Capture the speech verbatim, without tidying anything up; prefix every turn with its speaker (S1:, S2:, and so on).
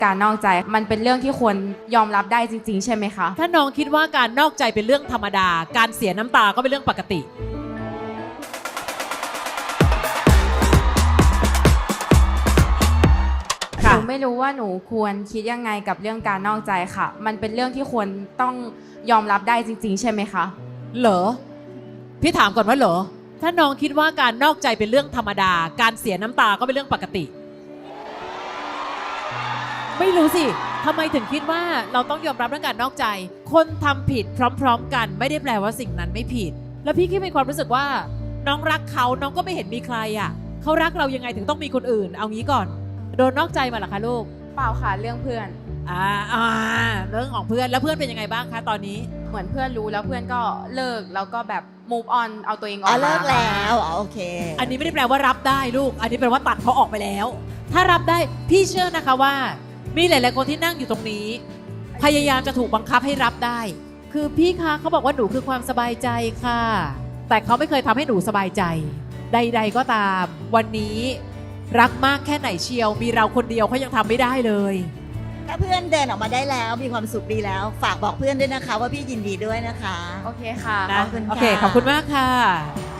S1: การนอกใจมันเป็นเรื่องที่ควรยอมรับได้จริงๆใช่ไหมคะ
S2: ถ้าน้องคิดว่าการนอกใจเป็นเรื่องธรรมดาการเสียน้ำตาก็เป็นเรื่องปกติ
S1: หนูไม่รู้ว่าหนูควรคิดยังไงกับเรื่องการนอกใจค่ะมันเป็นเรื่องที่ควรต้องยอมรับได้จริงๆใช่ไหมคะ
S2: เหรอพี่ถามก่อนว่าเหรอถ้าน้องคิดว่าการนอกใจเป็นเรื่องธรรมดาการเสียน้ำตาก็เป็นเรื่องปกติไม่รู้สิทำไมถึงคิดว่าเราต้องยอมรับเรื่องการนอกใจคนทำผิดพร้อมๆกันไม่ได้แปลว่าสิ่งนั้นไม่ผิดแล้วพี่แค่มีความรู้สึกว่าน้องรักเขาน้องก็ไม่เห็นมีใครอ่ะเขารักเรายังไงถึงต้องมีคนอื่นเอางี้ก่อนโดนนอกใจมาเหรอคะลูก
S1: เปล่าค่ะเรื่องเพื่อน
S2: อ่าอ่าเรื่องของเพื่อนแล้วเพื่อนเป็นยังไงบ้างคะตอนนี้
S1: เหมือนเพื่อนรู้แล้วเพื่อนก็เลิกแล้วก็แบบ move on เอาตัวเองออก
S3: อ๋อ
S1: มา
S3: เลิกแล้วอ๋อโอเค
S2: อันนี้ไม่ได้แปลว่ารับได้ลูกอันนี้แปลว่าตัดเขาออกไปแล้วถ้ารับได้พี่เชื่อนะคะว่ามีหลายๆคนที่นั่งอยู่ตรงนี้พยายามจะถูกบังคับให้รับได้คือพี่คะเขาบอกว่าหนูคือความสบายใจค่ะแต่เขาไม่เคยทำให้หนูสบายใจใดๆก็ตามวันนี้รักมากแค่ไหนเชียวมีเราคนเดียวเขายังทำไม่ได้เลย
S3: ถ้าเพื่อนเดินออกมาได้แล้วมีความสุขดีแล้วฝากบอกเพื่อนด้วยนะคะว่าพี่ยินดีด้วยนะคะ
S1: โอเคค่ะ
S3: ขอบคุณค่ะ
S2: โอเคขอบคุณมากค่ะ